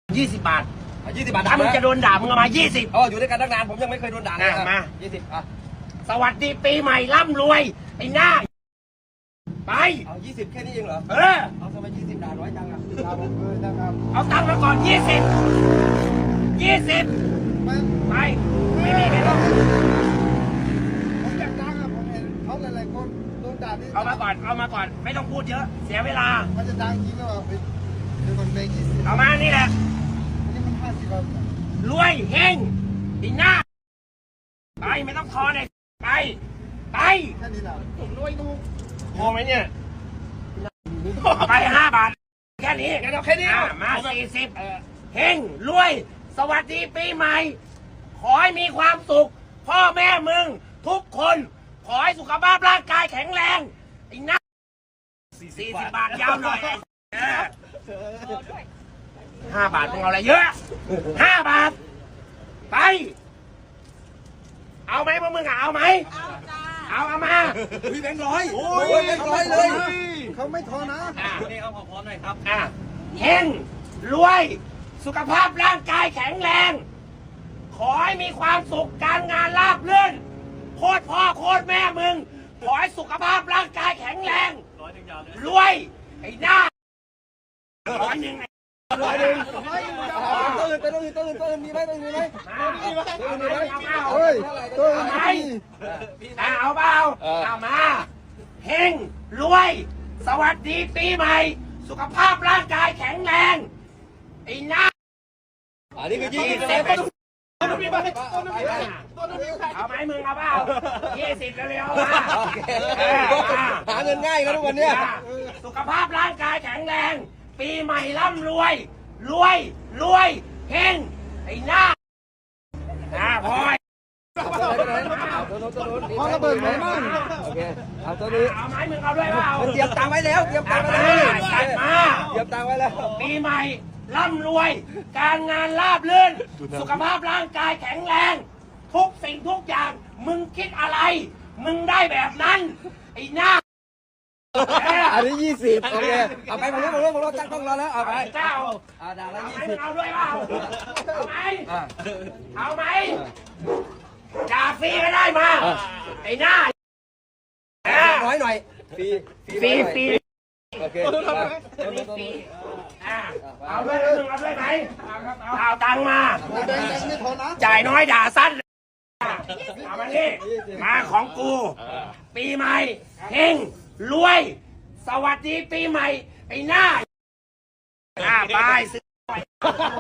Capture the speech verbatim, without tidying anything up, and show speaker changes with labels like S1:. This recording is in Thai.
S1: ยี่สิบบาท
S2: ยี่สิบบาท
S1: ถ้ามึงจะโดนด่ามึงเอามายี่สิบ
S2: อ๋ออยู่ด้วยกันตั้งนานผมยังไม่เคยโดนด่าเลย
S1: มา
S2: ยี่สิบอ่ะ
S1: สวัสดีปีใหม่ร่ำรวยไอ้หน้าไป
S2: เอายี่สิบแค่นี้เองเหรอ
S1: เออ
S2: เอาทำไมยี่สิบด่าน้อยจังอ่ะ
S1: เอาตังค์มาก่อนยี่สิบยี่สิบไปไม่มีไม่ต้อง
S3: ผมอยากดังอ่ะผมเห็นเขาหลายๆคนโดนด่าที่
S1: เอามาก่อนเอามาก่อนไม่ต้องพูดเยอะเสียเวลา
S3: มันจะดังจริงหรือเปล่าเดี๋ยวมันเบรกยี่สิบ
S1: เอามานี่แหละ
S3: อันนี้มันห้าสิบแล้ว
S1: รวยเฮงไอ้หน้าไปไม่ต้องทอเลยไปไป
S3: แค่นี้แหละผมรวยดู
S1: พอไหมเนี่ยไปห้าบาทแค่นี้
S2: งั้นเอาแค่นี้
S1: มาสี่สิบเฮงรวยสวัสดีปีใหม่ขอให้มีความสุขพ่อแม่มึงทุกคนขอให้สุขภาพร่างกายแข็งแรงไอ้หน้าสี่สิบบาทยาวหน่อยห้าบาทมึงเอาอะไรเยอะห้าบาทไปเอาไหมพวกมึงเอาไหมเอาจ้าเอาเอามา
S2: พี่แบงค์ร้อยโอ้ยแบงค์ร้อยเลย
S3: เขาไม่ทอนะ
S2: นี่เอาพร้อมหน่อยครับ
S1: อ่ะเฮงรวยสุขภาพร่างกายแข็งแรงขอให้มีความสุขการงานราบรื่นโคตรพ่อโคตรแม่มึงขอให้สุขภาพร่างกายแข็งแรงรวยไอ้หน้าร้อยหนึ่ง
S2: ร้อยหนึ่งตื่นตื่นตื่นตื่นมีไหมตื่นมีไหมตื่นมีไหม
S3: เฮ้ยตื่น
S1: ไหมเอาเปล่าเอามาเฮงรวยสวัสดีปีใหม่สุขภาพร่างกายแข็งแรงไอ้หน้า
S2: อันนี้คือยี่สิบ
S1: เอาไหมมึงเอาเปล่ายี่สิบเร็วๆมา
S2: หาเงินง่ายกันทุกวันเนี้ย
S1: สุขภาพร่างกายแข็งแรงปีใหม่ร่ำรวยรวยรวยเฮงไอ้หน้าอ่าพอย
S3: พอระเบิดไหมมั่ง
S2: โอเคเอาตัวนี้
S1: เอาไหมมึงเอาด้วยเปล่า
S2: เตรียมตังค์ไว้แล้วเตรียมตังค์ไว้แล้ว
S1: จัดมา
S2: เตรียมตังค์ไว้แล้ว
S1: ปีใหม่ร่ำรวยการงานราบรื่นสุขภาพร่างกายแข็งแรงทุกสิ่งทุกอย่างมึงคิดอะไรมึงได้แบบนั้นไอ้หน้า
S2: อันนี้ยี่สิบโอเคเอาไปผมรู้ผมรู้ผมรู้ตั้งต้องรอแล้วเอาไป
S1: เจ้า
S2: เอาด่าแล้วยี่
S1: สิ
S2: สิ
S1: บเอาด้วยเปล่าเอาไหมเอาไหมจ่าฟรีก็ได้มาไอ้หน้า
S2: น้อยหน่อยฟรี
S1: ฟรีฟรี
S2: โอเค
S1: เอาด้วยมึงเอาด้วยไหมเอาตังมา
S3: ไม่ทอนะ
S1: จ่ายน้อยด่าสั้นเอามานี่มาของกูปีใหม่เฮงรวยสวัสดีปีใหม่ไอ้หน้าอ่าบายซื้อ